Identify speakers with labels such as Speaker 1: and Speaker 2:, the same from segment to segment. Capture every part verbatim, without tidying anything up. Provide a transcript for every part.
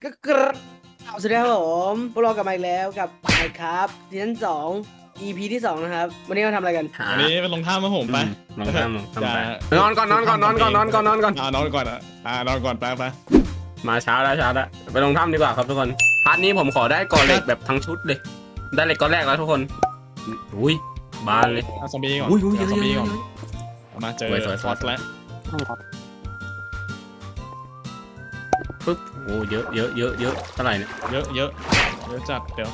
Speaker 1: ก็กระสวัสดีครับผมพวกเรากลับมาอีกแล้วกับไมค์ครับซีซั่นสอง อี พี ที่สองนะครับวันนี้เราทำอะไรกัน
Speaker 2: วันนี้เป็นลงท่ามาผมไป
Speaker 3: ลองทำลองทำไป
Speaker 2: จะ
Speaker 3: นอนก่อนนอนก่อนนอนก่อนนอนก่อนนอนก่อน
Speaker 2: อ่านอนก่อนอ่ะอ่านอนก่อนไปไป
Speaker 3: มาเช้าแล้วเช้าแล้วไปลงถ้ำดีกว่าครับทุกคนพาร์ทนี้ผมขอได้ก่อเหล็กแบบทั้งชุดเลยได้เหล็กก้อนแรกแล้วทุกคนอุ้ยบานเลย
Speaker 2: เอาซอมบี้ก่อน
Speaker 3: อุ้ยอุ้ย
Speaker 2: เอาซอมบี้ก่อน
Speaker 3: เยอะ
Speaker 2: เอามาเจอ
Speaker 3: สวยสวย
Speaker 2: ฟอสแล้ว
Speaker 3: ปึ๊บโอ้เยอะเยอะเยอะเยอะเท่าไหร่เนี่ย
Speaker 2: เยอะเยอะเยอะจัดเดี๋ยว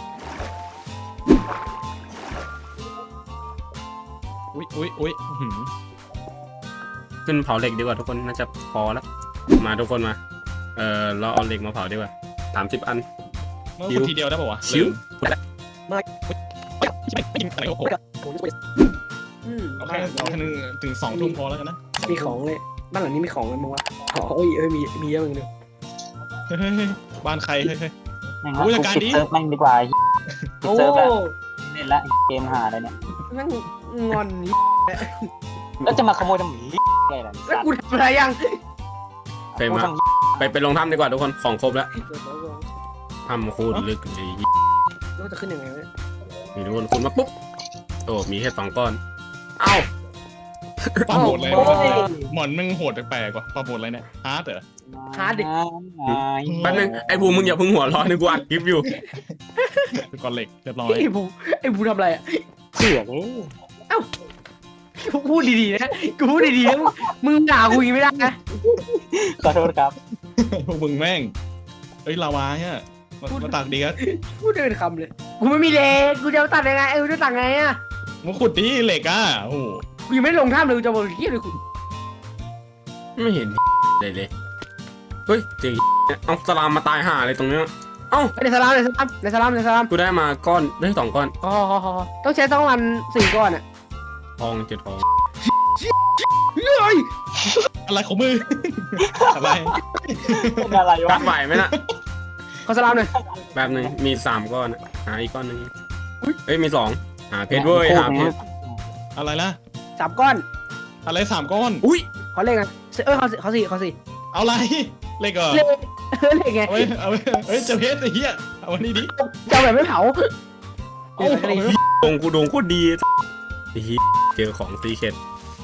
Speaker 2: อุ้ยอุ้ยอุ้ยอื้อหือ
Speaker 3: ขึ้นเผาเหล็กดีกว่าทุกคนน่าจะพอแล้วมาทุกคนมาเออเราเอาเหล็กมาเผาดีกว่าสามสิบอัน
Speaker 2: เมื่อคนทีเดียวได้ป่าววะ
Speaker 3: ชิว
Speaker 2: ไม่กินอะไรโอ้โห
Speaker 1: อืม
Speaker 2: เอาแค่เอาแค่นึงถึงสองทุ่มพอแล้วกันนะ
Speaker 1: มีของเลยบ้านหลังนี้มีของกันมั้งวะอ๋อโอ้ยเอ้ยมีมีเยอะเหมือนกัน
Speaker 2: เฮ้ยเฮ้ยเฮ้ยบ้านใครเฮ้ยเฮ้ย
Speaker 4: แม่ง
Speaker 2: ผู้
Speaker 4: ละ
Speaker 2: จัดการ
Speaker 4: ปิด
Speaker 2: ดิ
Speaker 4: เซิร์ฟแม่งดีกว่า
Speaker 1: โอ้
Speaker 4: เซิร์ฟแล้วเล่นละเกมหาอะไรเนี่ย
Speaker 1: นั่งงอนนี่
Speaker 4: แล้วจะมาขโมยทำไมไงล่ะ
Speaker 1: แล้วกูทำอะไรยัง
Speaker 3: ไปมาไปไปลงถ้ำดีกว่าทุกคนของครบแล้วถ้ำโคตรลึกเลย
Speaker 1: แล้วจะขึ้นยังไงวะ
Speaker 3: นี่ทุกคนคุณมาปุ๊บโอ้มีแค่สองก้อนเอ้า
Speaker 2: ปลาโหดอะไรวะหมอนมึงโหดแปลกๆว่ะปลาโหดอะไรเนี่ยฮาร์ดเหรอ
Speaker 1: ฮาร์ดดิ
Speaker 3: แป๊บนึงไอ้บูมมึงอย่าเพิ่งหัวร้อนนึกว่าอัดคลิปอยู่
Speaker 2: ก่อนเหล็กเรียบร้อย
Speaker 1: ไอ้บูไอ้บูทำอะไรอ่ะ
Speaker 4: เสือกเลย
Speaker 1: พูดดีๆนะกูพูดดีๆนะมึงด่ากูอย่างนี้ไม่ได้นะ
Speaker 4: ขอโทษครับ
Speaker 2: พวกมึงแม่งเอ้ยลาวาเนี่ยมามาตักดีครับ
Speaker 1: พูดได้เป็นคำเลยกูไม่มีเลนกูจะเอาตัดยังไงเออจะตัดไงอ่ะ
Speaker 2: มาขุดดิเหล็กอ่ะโอ้โห
Speaker 1: กูยังไม่ได้ลงท่ามเลยกูจะบอกเฮียเลยคุณ
Speaker 3: ไม่เห็นเลยเลยเฮ้ยเจอเอาสลามมาตายห่าอะไรตรงเนี้ยเอ้า
Speaker 1: ในสลามในสลามในสลามในสลาม
Speaker 3: กูได้มาก้อนได้สองก้อน
Speaker 1: อ๋อต้องใช้ต้องวันสี่ก้อนอ่ะ
Speaker 3: ทองเจ็ดทอง
Speaker 1: เฮ้ย
Speaker 2: อะไรของมึง อะไร
Speaker 4: เป็นอะไร
Speaker 3: รั
Speaker 4: วะ
Speaker 3: บไหวไหมน่ะ
Speaker 1: ขอสลามหน่อย
Speaker 3: แบบหนึ่งมีสามก้อนอะหาอีกก้อนหนึ่งเฮ้ยมีสองหาเพชรเว้ยหาเพชร
Speaker 2: อะไรล่ะ
Speaker 1: สามก้อน
Speaker 2: อะไรสามก้อน
Speaker 3: อุ้ย
Speaker 1: ขอเลขกันเอ้ยขอขอสี่ขอสี่
Speaker 2: เอาอะไรเหล็กเหรอ
Speaker 1: เลขเออเลขไง
Speaker 2: เอาไว้เอาไว้เฮ้ยเจะเพชรไอ้เหี้ยเอาวันนี้ดิ
Speaker 1: จะเอาแบบไม่เผา
Speaker 2: เอาเอาไว้
Speaker 3: ดงกูดงโคตรดีไอ้เหี้ยเจอของซีเคท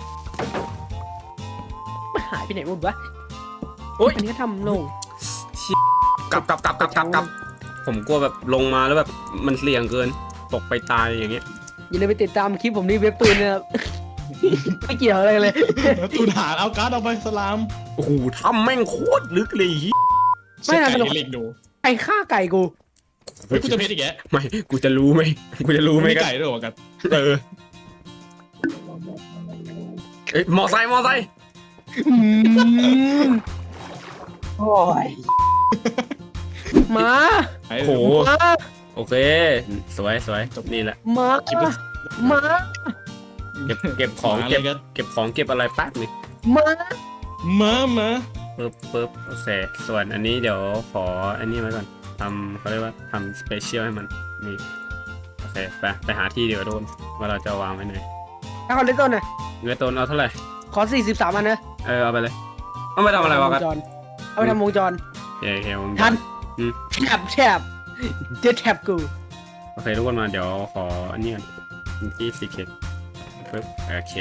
Speaker 1: มันหายไปไหนหมดวะ
Speaker 3: โอ๊ย
Speaker 1: อันนี้ก็ทำลง
Speaker 3: กลับกลับกลับกลับกลับกลับผมกลัวแบบลงมาแล้วแบบมันเสี่ยงเกินตกไปตายอย่างเงี้ย
Speaker 1: อย่าลืมไปติดตามคลิปผมนี่เว็บตูนนะครับ ไม่เกี่ยวอะไรเลย
Speaker 2: ตูนหาเอาการ์ดเอาไปสลาม
Speaker 3: โอ้โหถ้ำแม่งโคตรลึกเลยเหี้ย
Speaker 1: ไม่น่า
Speaker 2: เช็ค
Speaker 1: สนุก
Speaker 2: ไก่เหล็กดู
Speaker 1: ไก่ฆ่าไก่กู
Speaker 2: เฮ้ยกูจะเพชรอีกแก
Speaker 3: ไม่กูจะรู้ไหมกูจะรู้ไหม
Speaker 2: มี
Speaker 3: กัน
Speaker 2: ไก่ด้วยเหรอกัน
Speaker 3: เออเอ้ยมอไซค์มอไซค์
Speaker 1: อืม
Speaker 4: โอ้ย
Speaker 1: หมา
Speaker 2: ไอ้
Speaker 3: โอ้โห
Speaker 1: หมา
Speaker 3: โอเค สวยสวยนี่แหละ
Speaker 1: หมา
Speaker 2: คลิปละ
Speaker 1: หมา
Speaker 3: เก็บเก็บของ
Speaker 2: หาอะไร
Speaker 3: เก็บ
Speaker 2: กัน
Speaker 3: เก็บของเก็บอะไรแป๊บนึง
Speaker 1: หมา
Speaker 2: มามา
Speaker 3: ปึ๊บปึ๊บโอเคส่วนอันนี้เดี๋ยวขออันนี้ไว้ก่อนทำเขาเรียกว่าทำสเปเชียลให้มันนี่โอเคไปไปหาที่เดี๋ยวโดนว่าเราจะวางไว้ไหน
Speaker 1: ถ้าเขาเล่นต้นน่ะ
Speaker 3: เงินต้นเอาเท่าไหร่
Speaker 1: ขอสี่สิบสามอันนะ
Speaker 3: เออเอาไปเลยเอาไปทำอะไรวะกัน
Speaker 1: วงจเอาไปทำวงจร
Speaker 3: โอเคโอเคผม
Speaker 1: ทัน
Speaker 3: อืม
Speaker 1: แท็บแท็บเจอแท็บกู
Speaker 3: โอเคทุกคนมาเดี๋ยวขออันนี้ก่อนที่สีเกตปึ๊บโอเค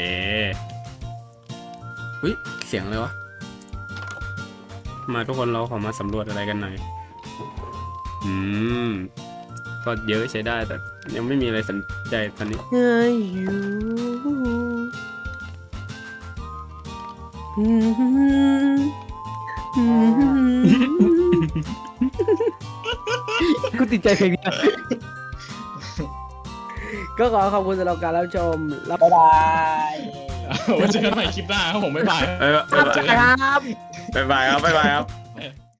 Speaker 3: อุ้ยเสียงอะไรวะมาทุกคนเราขอมาสำรวจอะไรกันหน่อยอืมก็เยอะใช้ได้แต่ยังไม่มีอะไรสนใจตอนนี้
Speaker 1: เฮ้ยอยู่อืมอืมกูติดใจเพลงนี้นะก็ขอขอบคุณสำหรับการรับชมรับ
Speaker 4: บ๊ายบาย
Speaker 2: เอาไว้เจอกันใหม่คลิปหน้าครับผมบ๊ายบาย
Speaker 3: เออ
Speaker 1: ครับ
Speaker 3: บ๊ายบายครับบ๊ายบายครับ